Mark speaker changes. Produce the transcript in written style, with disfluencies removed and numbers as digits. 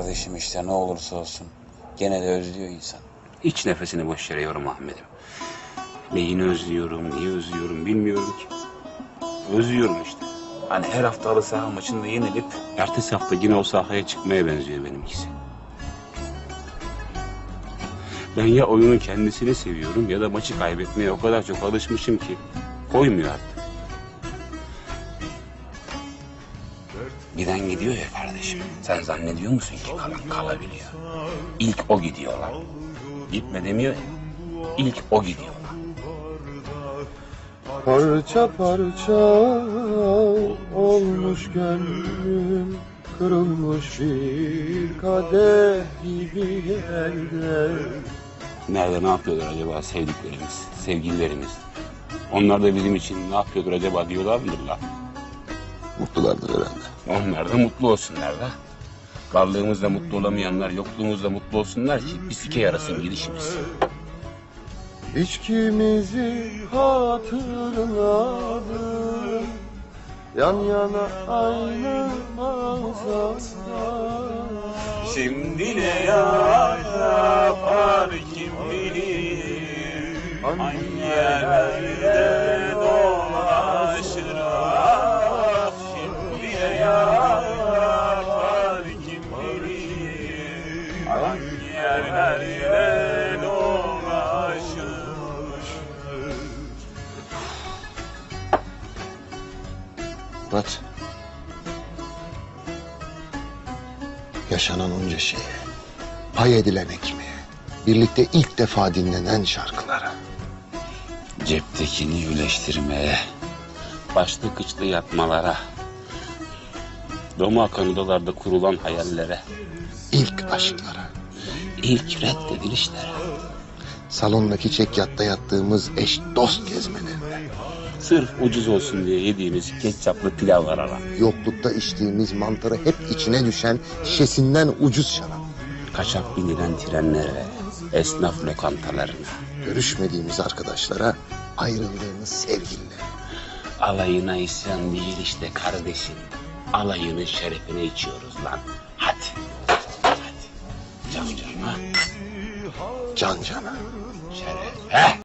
Speaker 1: kardeşim işte, ne olursa olsun. Gene de özlüyor insan.
Speaker 2: Hiç nefesini boş yere yorma Ahmet'im. Neyini özlüyorum, niye özlüyorum bilmiyorum ki. Özlüyorum işte. Hani her hafta halı saha maçında yenilip ertesi hafta yine o sahaya çıkmaya benziyor benimkisi. Ben ya oyunun kendisini seviyorum ya da maçı kaybetmeye o kadar çok alışmışım ki koymuyor artık. Giden gidiyor ya kardeşim. Sen zannediyor musun ki kalabiliyor? İlk o gidiyorlar. Gitme demiyor ya. İlk o gidiyorlar.
Speaker 3: Parça parça olmuş gönlüm, kırılmış bir kadeh gibi elde.
Speaker 2: Nerede ne yapıyorlar acaba sevdiklerimiz, sevgililerimiz? Onlar da bizim için ne yapıyordur acaba diyorlar mıdır la?
Speaker 3: Mutlulardır herhalde.
Speaker 2: Onlar da mutlu olsunlar da. Varlığımızda mutlu olamayanlar yokluğumuzda mutlu olsunlar ki bir sike yarasın gidişimiz.
Speaker 3: İçkimizi hatırladım, yan yana aynı masada.
Speaker 2: Şimdi ne yapar kim bilir? Hangi yerlerde dolaşır? Ah, şimdi ne yapar kim bilir? Hangi yerlerde dolaşır?
Speaker 3: Murat, yaşanan onca şeye, pay edilen ekmeğe, birlikte ilk defa dinlenen şarkılara.
Speaker 2: Ceptekini yüleştirmeye, başlı kıçlı yatmalara, doma kanıdalarda kurulan hayallere,
Speaker 3: İlk aşklara,
Speaker 2: ilk reddedilişlere,
Speaker 3: salondaki çekyatta yattığımız eş dost gezmelerine,
Speaker 2: sırf ucuz olsun diye yediğimiz ketçaplı pilavlara,
Speaker 3: yoklukta içtiğimiz mantarı hep içine düşen şişesinden ucuz şarap,
Speaker 2: kaçak binilen trenlere, esnaf lokantalarına,
Speaker 3: görüşmediğimiz arkadaşlara, ayrıldığımız sevgililere.
Speaker 2: alayına isyan değil işte kardeşim. Alayının şerefine içiyoruz lan. Hadi. Hadi. Can cana.
Speaker 3: Can cana.
Speaker 2: Şeref. Heh.